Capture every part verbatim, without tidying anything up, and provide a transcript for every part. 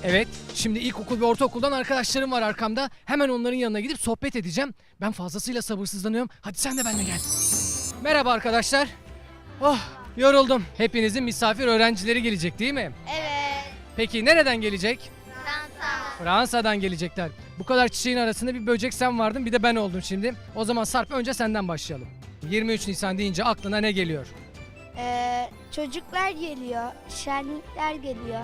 Evet, şimdi ilkokul ve ortaokuldan arkadaşlarım var arkamda. Hemen onların yanına gidip sohbet edeceğim. Ben fazlasıyla sabırsızlanıyorum. Hadi sen de benimle gel. Merhaba arkadaşlar. Oh, yoruldum. Hepinizin misafir öğrencileri gelecek değil mi? Evet. Peki nereden gelecek? Fransa. Fransa'dan gelecekler. Bu kadar çiçeğin arasında bir böcek sen vardın, bir de ben oldum şimdi. O zaman Sarp, önce senden başlayalım. yirmi üç Nisan deyince aklına ne geliyor? Ee, çocuklar geliyor, şenlikler geliyor.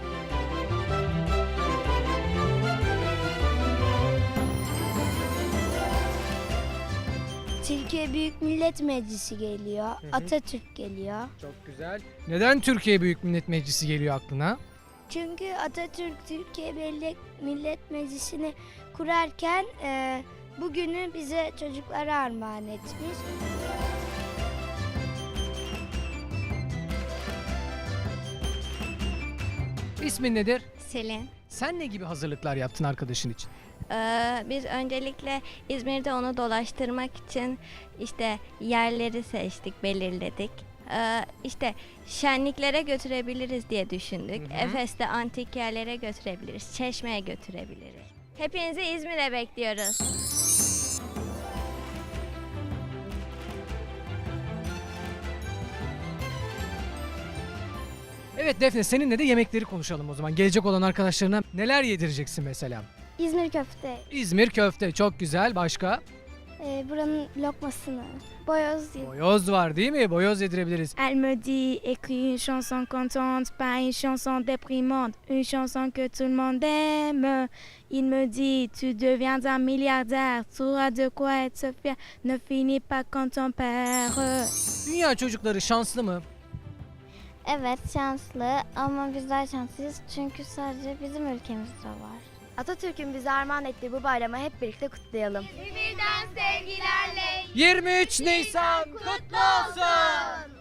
Türkiye Büyük Millet Meclisi geliyor, hı. Atatürk geliyor. Çok güzel. Neden Türkiye Büyük Millet Meclisi geliyor aklına? Çünkü Atatürk Türkiye Millet, Millet Meclisi'ni kurarken e, bugünü bize çocuklara armağan etmiş. İsmin nedir? Selin. Sen ne gibi hazırlıklar yaptın arkadaşın için? Ee, biz öncelikle İzmir'de onu dolaştırmak için işte yerleri seçtik, belirledik. Ee, işte şenliklere götürebiliriz diye düşündük. Hı hı. Efes'te antik yerlere götürebiliriz, Çeşme'ye götürebiliriz. Hepinizi İzmir'e bekliyoruz. Evet Defne, seninle de yemekleri konuşalım o zaman. Gelecek olan arkadaşlarına neler yedireceksin mesela? İzmir köfte, İzmir köfte çok güzel. Başka? e, buranın lokmasını, boyoz. Boyoz var değil mi? Boyoz yedirebiliriz. Elle me dit, écris une chanson contente, pas une chanson déprimante, une chanson que tout le monde aime. Il me dit, tu deviendras milliardaire, tu auras de quoi être fier, ne finis pas comme ton père. Dünya çocukları şanslı mı? Evet, şanslı ama bizler şanslıyız çünkü sadece bizim ülkemizde var. Atatürk'ün bize armağan ettiği bu bayramı hep birlikte kutlayalım. yirmi üç Nisan kutlu olsun.